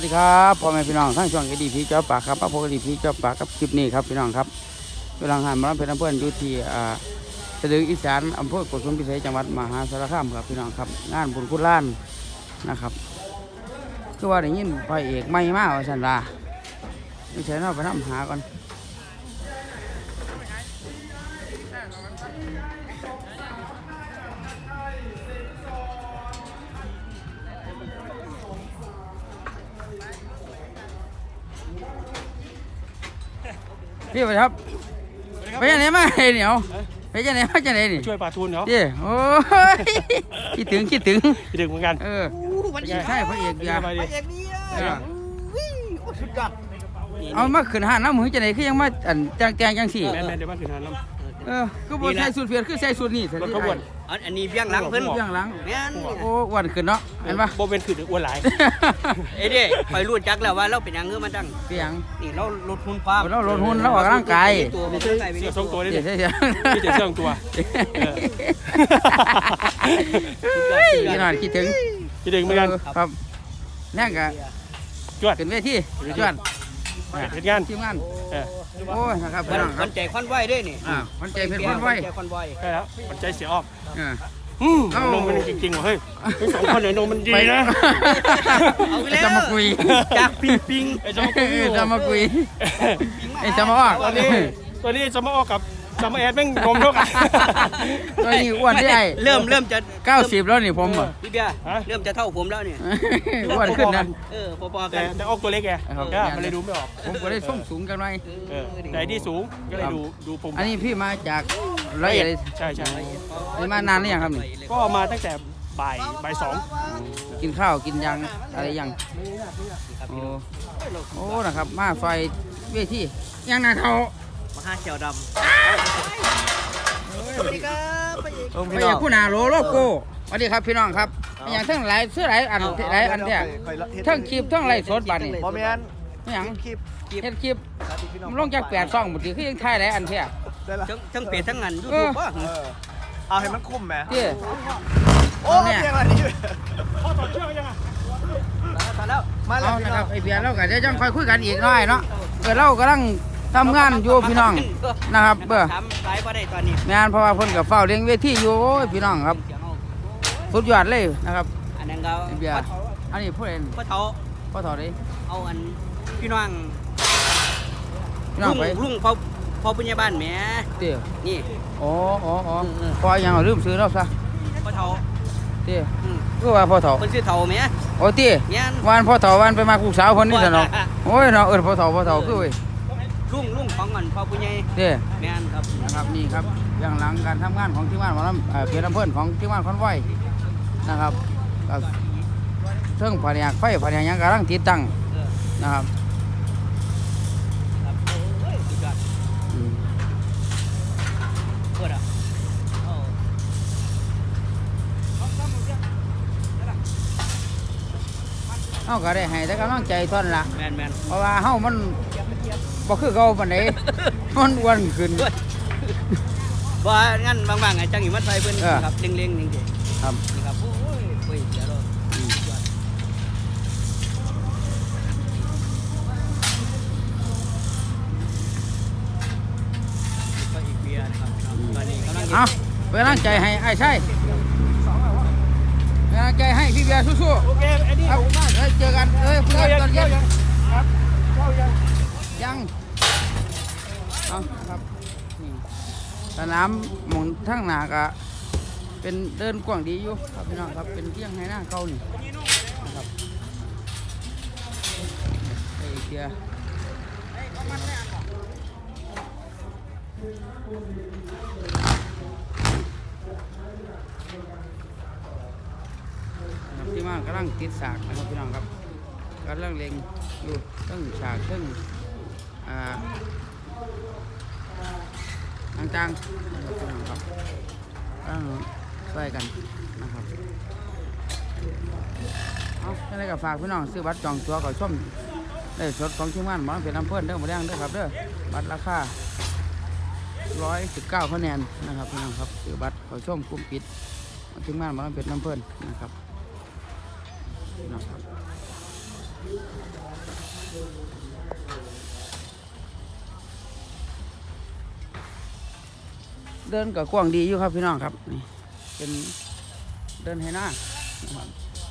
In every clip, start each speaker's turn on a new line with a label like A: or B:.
A: สวัสดีครับพ่อแม่พี่น้องทั้งช่วงดีพีเจ้าปากครับพระโพดีพีเจ้าปากกับคลิปนี้ครับพี่น้องครับกำลังหันมารับเป็นอำเภออยู่ที่สะดืออีสานอำเภอโกสุมพิสัยจังหวัดมหาสารคามครับพี่น้องครับงานบุญคุณล้านนะครับคือว่าได้ยินพระเอกไม่มากว่าสันลาไม่ใช่เราไปทำหาก่อนพี่ไปครับไปยังไหนมาเหนียวไปยังไหนมาจังไหนนี่
B: ช่วยป่าทูนเขา
A: เจ้โอ้ยคิดถึง
B: คิดถึงเหมือนกัน
A: วันนี้ใช่พระเอกยา
B: พระเอก
A: นี่สุดยอดเอามาขึ้นห้าน้ำมือจังไหนคือยังมาจังสี่
B: แม่เดี๋ยวมาขึ้นหาน้
A: ำก็บใส่สูตรเพียรคือใส่สูตรนี่
B: รถขบวน
C: อันนี้เบี้ยงหลังเพิ่น
A: เบี้ยงหลังโอ้วันขึ้นเนาะเห็นปะ
B: โบเป็นขึ้นอ้วนหลาย
C: เอ้ดิคอยรู้จักแล้วว่าเราเป็นยังเงือมาตั้ง
A: เปียง
C: นี่เราลดหุ่นความ
A: เราลดหุ่นเราออกร่างกาย
C: ตัวเ
B: สื้อทรงตัวนี่
A: ใช่
B: ไม่ใช่เสื้อตัว
A: พี่น้อยคิดถึง
B: เหมือนกัน
A: ครับนั่งกะ
B: จวด
A: ขึ้นเวทีจวด
B: เห็นงาน
A: ทีมงานโอ้ยนะครับพี่น้อง
C: คนใจควันไหวด้วยนี่
A: คนใจเป็นคนไหว
B: ใช่แล้วคนใจเสียออกนมมันจริงๆว่ะเฮ้ยทั้งสองคนเนี่ยนมมันดีนะ
A: จะมาคุย
C: จากปิง
A: จะมาคุยจะมาออก
B: ตัวนี้จะมาออกกับจะมาแอดแม่งนมเท่ากัน
A: ตัวนี้อ้วนได้
C: เริ่มจะ
A: 90แล้วนี่ผม
C: พี่เบียร์เริ่มจะเท่าผมแล้วเนี่ย
A: อ้วนขึ้นนะ
C: พอๆกัน
B: แต่ออกตัวเล็กไงมันเลยดูไม่ออก
A: ผมก็ได้ส่งสูงกันหน่อย
B: แต่ที่สูงก็เลยดูผม
A: อันนี้พี่มาจากร้อยเอ็ด
B: ใช่
A: มานานหรือยังครับนี่
B: ก็มาตั้งแต่บ่าย2
A: กินข้าวกินยังอะไรยังโอ้นะครับมาไฟเวทียังนาเขา
C: มหาเขียวดำสวัสดีครับ
A: ไปอย่างผู้นาโลโก้สวัสดีครับพี่น้องครับอย่างทั้งหลายเสื้อหลายอันเนี่ยทั้งคลิปทั้งไลฟ์สดบัดนี่
C: บ่แม่น
A: อย่างเฮ็ดคลิปมันลงจาก8 ช่องหมดทีคือยังถ่ายหลายอันแท้
C: ทั้งเพจทั้งงาน YouTube ป่ะ
D: เอาให้มันคุ้มแหม
A: โอ้เนี่ย
B: พ่อต่อเชือกยังอ่ะ
C: มาแล้ว
A: นะครับไอเพียรเราก็จะยังค่อยคุยกันอีกหน่อยเนาะเรากำลังทำงานอยู่พี่น้องนะครับ
C: ทำไรบ่ได้ตอนนี้
A: งานเพราะว่าเพิ่นกับเฝ้าเลี้ยงเวทีอยู่พี่น้องครับสุดยอดเลยนะครับ
C: อันนั้นก็
A: เบียร์อันนี้ผู้เล่น
C: พ่อเฒ่า
A: ดิ
C: เอาอันพี่น้อง
A: ไป
C: ลุงพ่อปุญญาบ้านแหม
A: เตี้ย
C: นี่
A: อ๋อพอยังลืมซื้อแล้วซะ
C: พ่อเฒ่า
A: เตี้ยก็ว่าพ่อเฒ่า
C: เพิ่นชื่อเฒ่าแหม
A: โอ้เตี้ยวันพ่อเฒ่าวันไปมาลูกสาวคนนี้ซะเนาะโอ้ยเนาะพ่อเฒ่าคือเว้ย
C: ลุงของเงินพ่อปุญญา
A: เตี้ย
C: แม่นครับ
A: นะครับนี่ครับเรื่องหลังการทำงานของทีมงานหมอลำเพียรอำเภอของทีมงานคอนไวนะครับเครื่องผลิตไฟผลิตยังกำลังติดตั้งนะครับเฮาก็ได้ให้แต่กำลังใจท่านละเพราะว่าเฮามันบ่คือเก่าปานใดมันอ้วนขึ้น
C: บ่งั้นบางๆไอ้จังอีมาใส่เพิ่นครับเล็งๆนี่
A: ครับ
C: นี่ครับโอ้ยเดี๋ยวก็อีกเบียร์นะครับตอนนี้กำลัง
A: เป็นกำลังใจให้ไอ้ใช่เป็นกำลังใจให้พี่เบียร์สู้ๆ
B: โอเคไอ้นี่
A: เจอกันเพื่อนตอนเย็นครับยังเอาครับสนามหมุนทั้งหนากะเป็นเดินกว้างดีอยู่ครับพี่น้องครับเป็นเที่ยงให้หน้าเก่านี่นะครับไอ้เกียที่มากำลังติดสากนะครับพี่น้องครับกำลังเล็งอยู่ตั้งฉากตั้งต่างๆนะครับพี่น้องครับช่วยกันนะครับเอาแค่กับฝากพี่น้องซื้อบัตรจองตัวก่อนชมได้สดของทีมงานหมอลำเพชรลำเพิ่นเด้อมาแดงเด้อครับเด้อบัตรราคา119 คะแนนนะครับพี่น้องครับซื้อบัตรก่อนชมกลุ่มปิดทีมงานหมอลำเพชรลำเพิ่นนะครับเดินกับกว้างดีอยู่ครับพี่น้องครับนี่เป็นเดินให้หน้านะครับ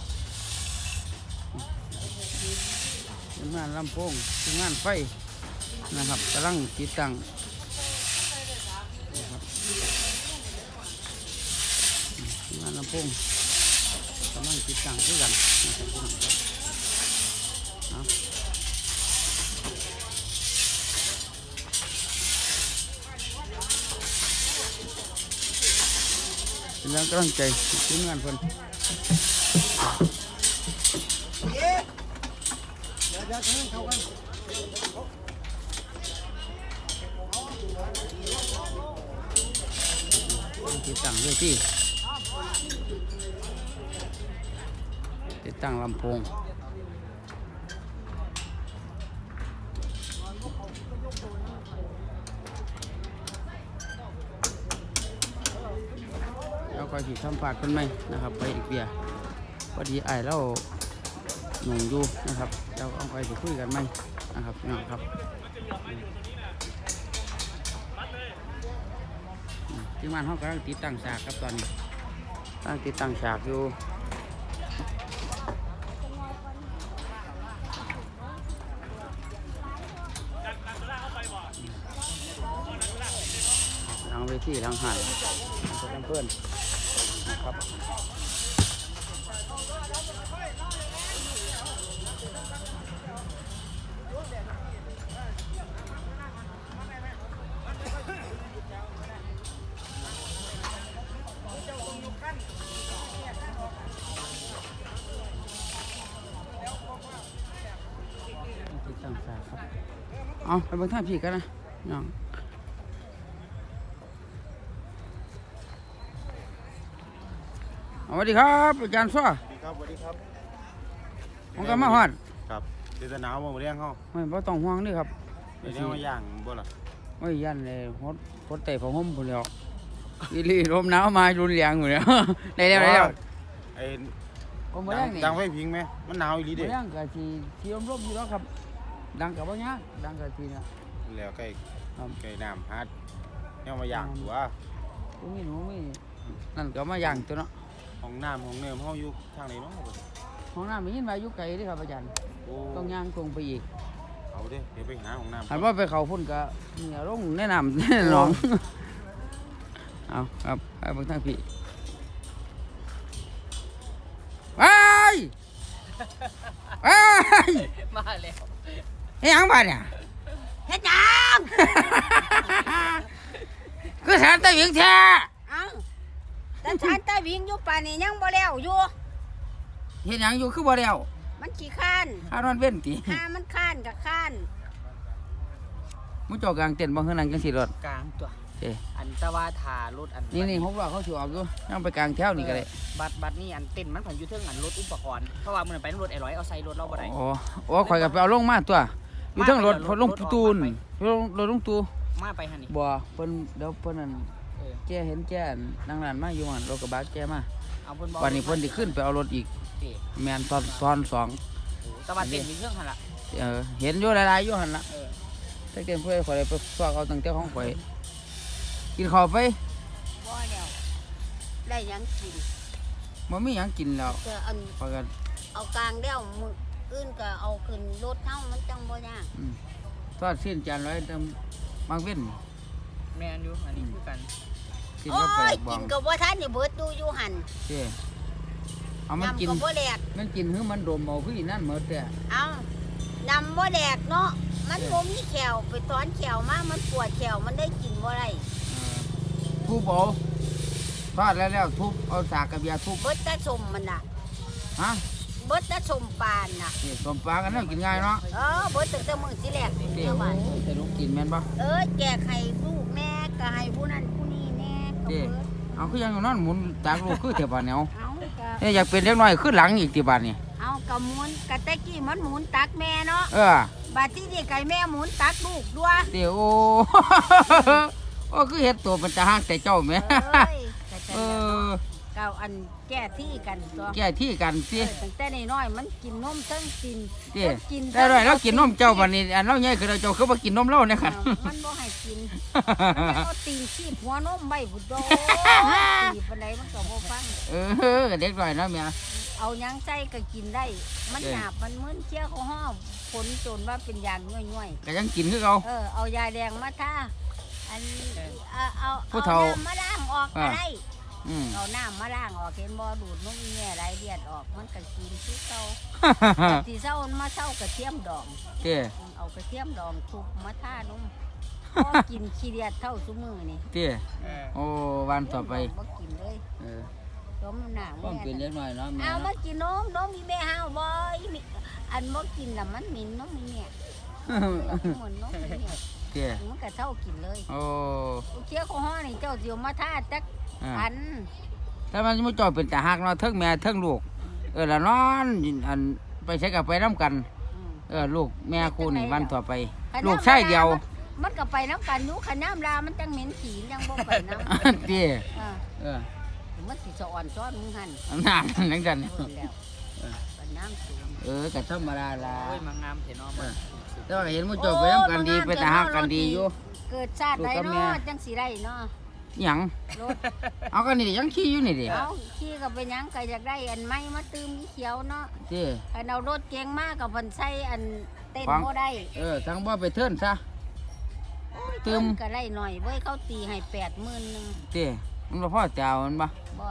A: เป็นงานลำโพงเป็นงานไฟนะครับกำลังติดตั้งนะครับงานลำโพงกำลังติดตั้งด้วยกันนะครับพี่น้องครับเอา เป็นแรงกำลังใจทีมงานเพิ่นติดตั้งด้วยที่ติดตั้งลำโพงแล้วก็ที่สัมผัสกันไหมนะครับไปอีกเบียพอดีไอ้เราหนุ่มอยู่นะครับเราเอาไปจะคุยกันไหมนะครับพี่น้องครับทีมงานเขากำลังติดตั้งฉากครับตอนนี้ตั้งติดตั้งฉากอยู่หลังเวทีหลังหายเพื่อนนะครับติดตั้งฉากครับเอาไปเบิ่งท่าพี่กันนะน้องสวัสดีครับอาจารย์ซ้อ
D: สวัสดีครับสวัสดีครับ
A: ผมก็มาฮอด
D: ครับเดี๋ยวจะหนาวมาเลี้ยงเขา
A: ไม่ต้องห่วงนี่ครับ
D: เดี๋ยวเลี้ยงมาย่างบ่ล่ะ
A: ไม่ยันเลยฮดเตะผ้าห่มพุ่นแล้วอีหลีลมหนาวมารุนแรงอยู่แล้ว ได้แล้ว
D: ไอ้
A: ผมบ่แรงนี่
D: ดังไฟพิงไหมมันหนาวอีหลี
A: บ่
D: เด้
A: แรงก็สิร่มๆอยู่แล้วครับ ดังก็บ่ยากดังก็สิเนี่ย
D: แล้วใกล้
A: ครับ
D: ใกล้น้ำฮัดเนี่ยมาย่างตัว
A: ตรงนี้หนูมีนั่นก็มาย่างตัวเนาะ
D: ห้องน้ำห้องเนื้อเขาอยู่ทางไหนเนาะ
A: ห้องน้ำมียินว่าอยู่ไกลเด้ครับอาจารย์
D: โอ้
A: ต้องย่างตรงไปอีก
D: เอาเด้เดี๋ยวไปหาห้องน้ำ
A: หันว่าไปเขาพุ่นก็เนี่ยลงแนะนำ แน่นอนเอาครับไปเบิ่งทางพี่ไปไป
C: มาแล้ว
A: เฮ้ยยังบ้านเนี่ย
E: เฮ็ดหยัง
A: คือสารตะวิงแท้
E: เอ้าแต่ฉันตาวิ่งอยู่ป่านนี้ยังบ่แล้วอยู่
A: เห็นยังอยู่คือบ่แล้ว
E: มันขี้ข้าน
A: หานอนเว้นติ
E: หามันข้านกับข้าน
A: มุจอกลางเต็นท์บ่คือนั่งจังซี่รถ
C: กลางตัว
A: เอ้
C: อันตะว่าถารถอัน
A: นี่6ล้อเขาสิออกอยู่ยังไปกลางแถวนี่ก็ได้
C: บัตรนี่อันเต้นมันผันอยู่เทิงอันรถอุปกรณ์เพราะว่ามันไปรถไอ้ร้อยเอาใส่รถเราบ่ได้
A: โอ้ข่อยก็ไปเอาลงมาตัวอยู่เทั้งรถ
C: มาไป
A: พอลงตูนรถลงตู
C: มาไปหั่นนี่
A: บ่เพิ่นเดี๋ยวเพิ่นนั่น
C: เออ
A: แกเห็นแกนั่งร้านมาอยู่หั่นรถกระบะแกมา
C: เอาเพิ่นบอก
A: วันนี้เพิ่นสิขึ้นไปเอารถอีก
C: เอ้ย
A: แม่นตอนสอง
C: โอ้ตะวันเต้นมีเครื่องหั่นล่ะ
A: เห็นอยู่หลายๆอยู่หั่นล่ะ
C: เออ
A: แต่เกินเพื่อข่อยไปฝากเอาตั้งแต่ของข่อยกินข้าวไป
E: บ่แล้วได้หยังกิน
A: บ่มีหยังกินแล้ว
E: เจออัน
A: ข่อยก็
E: เอากลางแล้วมืออื่นก็เอาขึ้นรถเฮามันจังบ่ยาก
A: ทอดเส้นจานร้อยเติมบางเว้น
C: แม่นอยู่อันนี้คือกัน
A: กิน
E: โอ้
A: กับปลาย บอ
E: กิ
A: ง
E: นก็บ่ทันนี่เบิดดูอยู่หั่น
A: เจ้เอามันกิน
E: ยำก็บ่แดก
A: มันกินคือมันดมเอาคืออีนั่นหมดแต่
E: เอานำบ่แดกเนาะมันบ่มีแขวไปถอนแขวมามันปวดแขวมันได้กินบ่ได้
A: ทุบเอาทอดแล้วทุบเอาสากกระเบียทุบ
E: เบิดแต่สมมันน่ะ
A: ฮะ
E: เบิดแต่สมปานน่ะ
A: นี่ต้มปลากันแล้วกินง่ายเนาะ
E: เบิดตั้งแต่มื้อที่แรก
A: เจ้
E: เจ้าบ้าน
A: แต่ลูกกินแม่นบ่
E: แจกให้ลูกแน่ก็ให้ผู้นั้นผู้นี้แน่ก็
A: เจ้
E: เบิด
A: เอาคือยังอยู่นั่นหมุนจากลูกคือเทบานเนี่ยเอา
E: เอาก็
A: อยากเป็นเล็กน้อยคือหลังอีกที่บ้านนี่
E: เอากระหมุนกะแตะกี้มันหมุนตักแม่เนาะ
A: เออ
E: บัดที่นี่ไก่แม่หมุนตักลูกด้วย
A: เดี๋ยวโอ้ โอ้คือเห็ดตัวมันจะห่างแต่เจ้าแม่
E: เอ้ยก็จะ
A: เออ
E: ก้าวอันแก้ที่กันตัว
A: แก้ที่กันสิ
E: ตั้งแต่น้อยๆมันกินนมเทั้งกิน
A: สิ
E: กิน
A: ได้ด้วยแล้วกินนมเจ้าบัดนี้อันเราใหญ่คือเราเจ้าคือบ่กินนมเราเนี่ยค่ะ
E: มันบ่ให้กินมันเอาตีนขี้หัวนมไว้พุ่นโดตีปานใดมันก็บ่ฟัง
A: เด็กน้อยเนาะแม่
E: เอาหยังใจก็กินได้ มันหยาบมันมึนเชี่ยเขาห้อมผลจนว่าเป็นยางย่อย
A: ก็ยังกินคือเขา
E: เอายาแดงมาทาอันเอา
A: ผู้เฒ่า
E: น้ำมาล้างออกก็ได้
A: อืม
E: เอาน้ำมาล้างออกเห็นบ่ดูดนมแง่ไรเลียดออกมันก็กินคือเก่าที่เศร้ามาเศร้ากระเทียมดอง
A: เจ้
E: เอากระเทียมดองคลุกมาทานมพอกินขี้เดียดเท่าซุมือนี่
A: เจ้โอ้วันต่อไป
E: บ่กินเลย จมหนัง
A: ต้องเป็นเล็กน้อยเนาะแม่
E: เอามากินนมมีแม่ห้าวบ่มีอันบ่กินน่ะมันหมิ่นนมมีแม่เหมือนนมมีแม่
A: เจ้
E: มันก็เท่ากินเลย
A: โอ้
E: เชี่ยข้อห้อนี่เจ้าสิเอามาทาจักอัน
A: ถ้ามันไม่จอเป็นแต่หักเนาะเทิงแม่เทิงลูกละนอนอันไปใช้กับไปน้ำกันลูกแม่คู่นี่วันต่อไป ลูกชายเดียว
E: มันก็ไปน้ำกันอยู่ขน้ำลามันจังเหม็นขี้ยังบ่ไปน้ำ
A: เจ้
E: มันสิสะอ่อนซ้อนมึงหั่น
A: น้ำนั่นกัน
E: แล้วไปน้ำสูง
A: ก็ธรรมดาละ
C: โอ้ยมางามเถอะเนาะมัน
A: แต่ว่าเห็นมันจบไปน้ำกันดีไปแต่หักกันดีอยู่
E: เกิดชาติใดเนาะจังสิได้เนาะ
A: หยัง
E: รถ
A: เอากันนี่ยังขี้อยู่นี่ดิ
E: เอาขี้ก็ไปหยังก็อยากได้อันไม้มาตื้มเขียวเนาะ
A: เจ้
E: อันเอารถเก๋งมากกับเพิ่นใช้อันเต้นบ่ได้
A: ทั้งบ่ไปเทิร์นซะ ตื้ม
E: ก็ได้หน่อยเว้ยเขาตีให้80,000นึง
A: เจ้มันบ่พ่อเจ้ามันบ่
E: บ่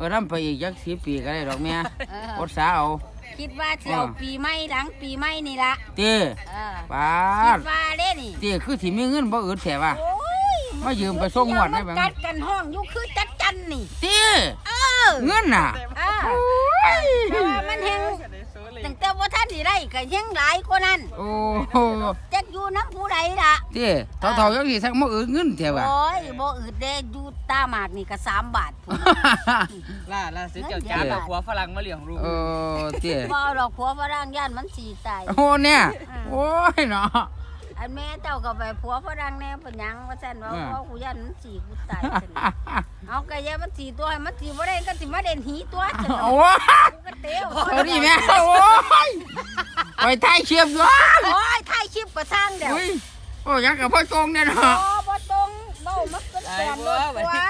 A: ทำไปอีกจัก10 ปีก็ได้ดอกแม่ อดสาเอา
E: คิดว่าสิเอาปีใหม่หลังปีใหม่นี่ล่ะ
A: เจ้ ปา
E: คิ
A: ด
E: ดว่าเด้นี่
A: เจ้คือสิมีเงินบ่อึดแท้ว่า
E: โอ้ย
A: มายืมไปส่งงวดได้
E: ได้
A: ไหม
E: กัดกันห้องอยู่คือจัดจันนี่
A: เจ้เงินน่ะ
E: แต่ว่ามันแฮงตั้งแต่ว่าท่านสิได้ก็ยังหลายกว่านั้น
A: โอ้โห
E: จักอยู่น้ำผู้ใดล่ะ
A: เจ้เท่าๆจังสิสักบ่อึดเงินแท้ว่า
E: โอ้ยบ่อึดเด้อยู่ตาหมากนี่ก็3 บาทพุ่น
C: ล่าซื้อเจ้าจ้ากับหัวฝรั่งมาเลี้ยงลูก
A: เจ้
E: บ่เอาดอกผัวฝรั่งย่านมันสิตาย
A: โอ้เนี่ยโอ้ยเนาะ
E: อันแม่เจ้าก็ไปผัวฝรั่งแน่เพิ่นหยังว่าซั่นว่าพ่อกูย่านมันสิกูตายซั่นเอาก็อย่ามันสิตัวให้มันสิบ่ได้ก็สิมาเด่นหีตัวซั่น
A: โอ้
E: กูก็เตว
A: เอาดิแม่โอ้ยไปถ่ายเชียบอยู่
E: โอ้ยถ่ายคลิปก็สร้างเดี๋ยว
A: อุ้ยโอ้ยังกับพ่อโกงเนี่ยเนาะ
E: โอ้บ่ตรงเบ้ามันก็แปลนรถ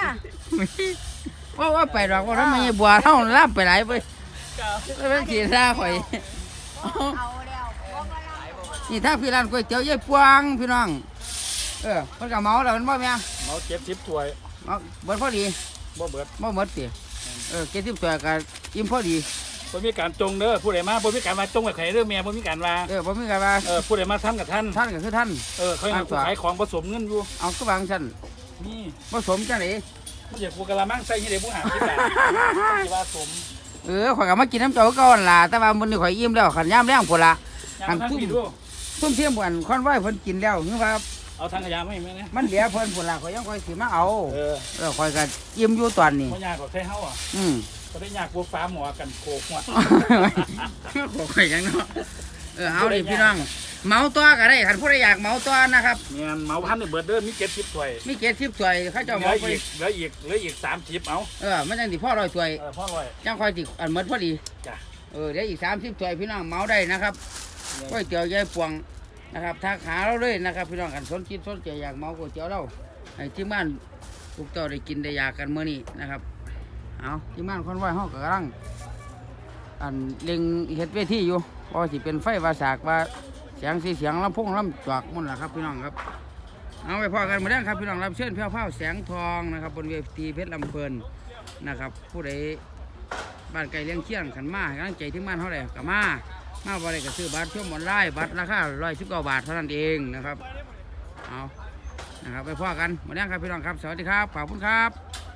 E: ตัว
A: ว่าไปดอกว่าทำไมบัวเท่าล่ำไปหลายไปเป็นสีท่าข่อย
E: เอาแล้วผัวฝรั่ง
A: นี่ถ้าพี่ร้านก๋วยเตี๋ยวยายปวงพี่น้องเพิ่นก็เมาแล้วมันบ่แม่
B: เมา70ถ้วย
A: เมาเบิดพอดี
B: บ่เบิด
A: บ่หมดติ70ตัวก็อิ่มพอดี
B: บ่มีการจงเด้อผู้ใดมาบ่มีการมาจงไว้ไข่เด้อแม่บ่มีการว่า
A: บ่มีกันว่า
B: ผู้ใดมาท่านกับท่าน
A: ท่านก็คือท่าน
B: เขายังขายของผสมเงินอยู่
A: เอาก็วางซั่น
B: นี่
A: ผสมจังได๋
B: ผู้ใหญ่กูกะละมังใส่ยี่เด็กผู้หาที่แบบที่ว่าสม
A: ข่อยก็มากินน้ำเจ้าก่อนล่ะแต่ว่ามื้อนี้ข่อยอิ่มแล้วขันยามแรงพุ่นล่ะ
B: ยางทั้งผิดด้วย
A: ซุ่มเทียมบ่อันคอนไว้เพิ่นกินแล้วคือว่า
B: เอาทางขยะไม่ไหมนะ
A: มันเหลือเพิ่นพุ่นล่ะข่อยยังข่อยสิมาเอา
B: เ
A: ข่อยก็อิ่มอยู่ตอนนี้
B: พยากก็ใช้เฮาอ่ะก็ได้ยากบัวฟ้าหมอกันโคกหัว
A: ข่อยยังเนาะเอาดิพี่น้องเมาตัวก็ได้คันผู้ใดอยากเมาตัวนะครับ
B: เงี้ยเมาพันในเบิดเด้อมี70ถ้วย
A: มี70ถ้วยเขาเจ้า
B: เหลื
A: เมา
B: อ
A: ไป
B: อีก30เอา
A: มันจังสิพอ100ถ้วย
B: พ่อร่อย
A: จังค่อยสิอันหมดพอดี
B: จ้ะ
A: เดี๋ยวอีก30ถ้วยพี่น้องเมาได้นะครับก๋วยเตี๋ยวยายปวงนะครับทักหาเราเลยนะครับพี่น้องกันสนจิตสนใจอยากเมาก๋วยเตี๋ยวเราให้ที่บ้านทุกเจ้าได้กินได้อยากกันมื้อนี้นะครับเอาที่บ้านคนไหวเฮาก็กำลังอันเล็งเฮ็ดเวทีอยู่พอสิเป็นไฟวาสากว่าเสียงสีเสียงลำโพงลำจอกมุ่นล่ะครับพี่น้องครับเอาไปพอกันมาแล้วครับพี่น้องรับเชิญเพี้ยวๆแสงทองนะครับบนเวทีเพชรลำเพลินนะครับผู้ใดบ้านไก่เลี้ยงเชี่ยงขันมาให้กำลังใจที่บ้านเท่าไหร่กับมาบ่ได้ก็ซื้อบัตรช่วงออนไลน์บัตรราคา119 บาทเท่านั้นเองนะครับเอานะครับไปพอกันมาแล้วครับพี่น้องครับสวัสดีครับขอบคุณครับ